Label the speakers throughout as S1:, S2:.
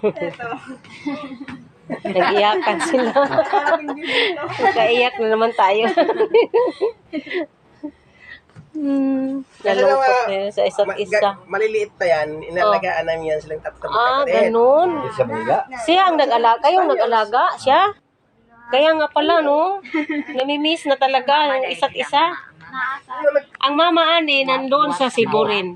S1: Ito.
S2: Nag-iyakan sila. Nagkaiyak na naman tayo. Nalungkot na yun sa isa't isa.
S3: Maliliit pa yan, inalagaan namin yan silang tatlong
S2: Ganun.
S4: Sa Manila.
S2: Siya ang nag-alaga, kayong nag-alaga, siya. Kaya nga pala, no? Namimiss na talaga ang isa't isa. Ang mama ani, nandoon sa Cebu rin.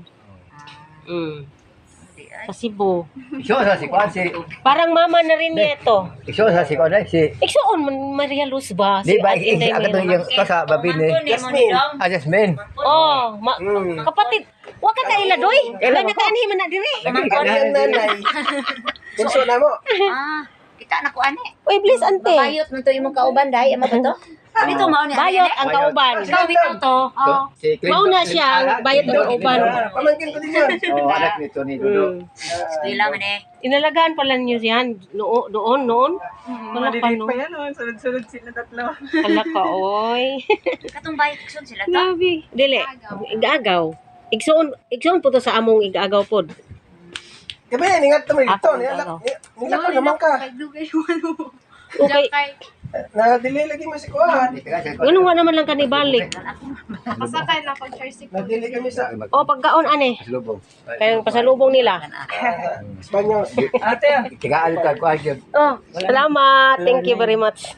S2: Sa Cebu.
S4: Iso sa si Kwan, si...
S2: Parang mama na rin niya ito.
S4: Iso sa si Kwan, si...
S2: Iksoon, Maria Luz ba?
S4: Di ba,
S2: Ate Inday
S4: agad
S2: Mayroon.
S4: yung kasa, babini.
S3: Jasmine.
S4: Jasmine.
S2: Oh, kapatid. Huwag ka tayo ladoy. Ganyan ka anhi man na diri.
S3: Ang nanay. Bunso na mo.
S5: Kita na ko ane.
S2: Uy, please, ante.
S5: Bayot mo to imong kauban dai, ama ba to? Dito mao ni.
S2: Bayot ang kauban.
S5: Ikaw bitaw to. Oh.
S2: Mauna siya, bayot ang kauban.
S3: Pamangkin ko din yun.
S4: Oh, anak nito ni Dudo.
S5: Eskwela man eh.
S2: Inalagaan pala niyo yan noon. Wala pa,
S1: Maliliit
S2: no?
S1: pa yan, oh. Sunod-sunod sila tatlo.
S2: Hala ka, oy.
S5: Katong bayot kusog sila to.
S2: Grabe. Dili, igagaw. Igsoon po to sa among igagaw pod.
S3: Gabi, ningat naman ito.
S2: Ako,
S3: Nilak ko naman ka.
S2: Okay.
S3: Nadili lagi mo si Kuhan.
S2: Ganun nga naman lang kanibalik.
S1: Pasakay na pag-tricycle.
S3: Nadili kami sa
S2: O, pagkaon, ane.
S4: Lubong.
S2: Kaya pasalubong nila.
S3: Espanyol.
S4: Tigaan ka ko agad.
S2: Oh, salamat. Thank you very much.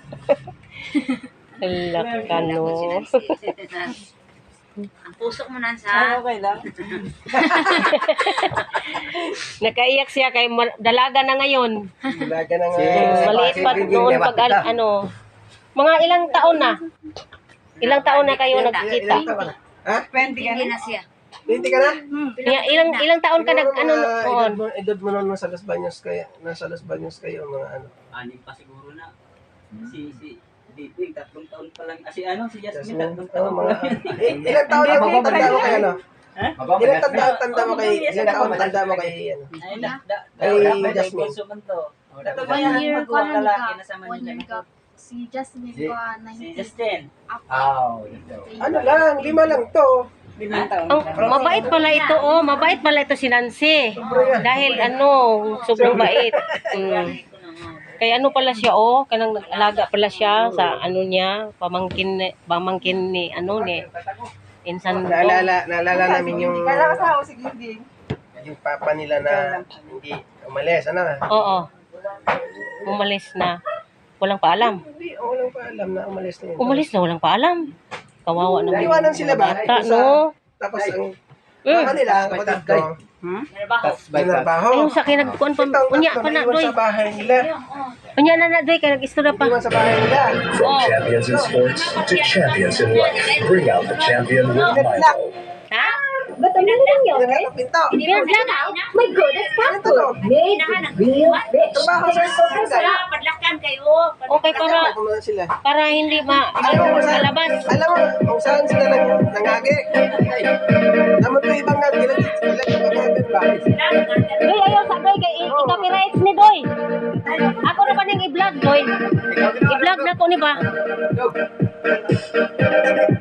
S2: Hala ka, no.
S5: Ang pusok mo nan sa.
S1: Okay lang.
S2: Nakaiyak siya kay dalaga na ngayon.
S3: Dalaga na nga.
S2: Maliit pa noon pag ano. Mga ilang taon na? Ilang taon na kayo nagkita?
S3: Ha?
S1: 20 ka
S5: Hindi
S1: na.
S5: na siya.
S3: 20 ka na?
S2: Ilang taon ka nag ano noon?
S3: Edad mo noon nasa Los Baños kayo. Nasa Los Baños kayo mga ano.
S6: Anim pa siguro na. Si Diping, 3 taon pa lang. Si Jasmine, 3
S3: Oh,
S6: taon pa
S3: mga,
S6: lang.
S3: ilang taon na mo tanda mo kay ano?
S4: Mababa
S3: Ilang
S4: na.
S3: tanda mo kay ilang taon tanda mo kay ano?
S6: Ay,
S3: Ay, Jasmine.
S6: Bunso man to.
S1: Ito ba
S6: Kaya
S1: yan?
S6: ang magawang lalaki na sa
S7: One year
S6: Manila.
S7: ka. Si Jasmine
S4: Si-
S7: ko,
S6: Si
S7: 19.
S6: Justin.
S3: Ano lang, 5 lang to.
S1: 5 taon.
S2: Ang mabait pala ito, oh. Mabait pala ito si Nancy. Dahil sobrang bait. Kaya ano pala siya, oh. Kanang nag-alaga pala siya sa ano niya, pamangkin ni insan ko.
S3: Naalala namin yung
S1: Kala kasama si Gigi.
S3: yung papa nila na hindi umalis, ano?
S2: Oo. Umalis na. Walang paalam.
S3: Hindi, walang pa alam na umalis na yun.
S2: Umalis na, walang paalam. Kawawa naman.
S3: Naiwanan sila ba?
S2: Bata,
S3: Ito sa-
S2: no?
S3: Tapos ang papa nila, ang kapatid ko, nagbaho.
S2: Ayun sa kinagkuan pa. Unya pa na, doy.
S3: Naiwan sa bahay nila.
S2: Unya na, doy. Kaya nag-istorya pa.
S3: Naiwan sa bahay nila.
S2: Oh.
S8: Champions in sports to champions in life. Bring out the champion with Milo.
S2: Ha?
S7: Ba't ang lang yun?
S3: Nila pinto.
S2: Pinaglag.
S7: My God, that's
S3: Ano to?
S7: made real rich.
S3: Trabaho sa hospital.
S5: Padlakan kayo.
S2: Okay,
S3: Kung ano sila.
S2: para hindi malabas.
S3: Alam mo, kung saan sila nangagi. Naman ito ibang nga, ilang ba?
S2: Doy, ayaw sa doy. Kay i-copyrights ni doy. Ako na pa nang i-vlog, doy. I-vlog na ko ni ba?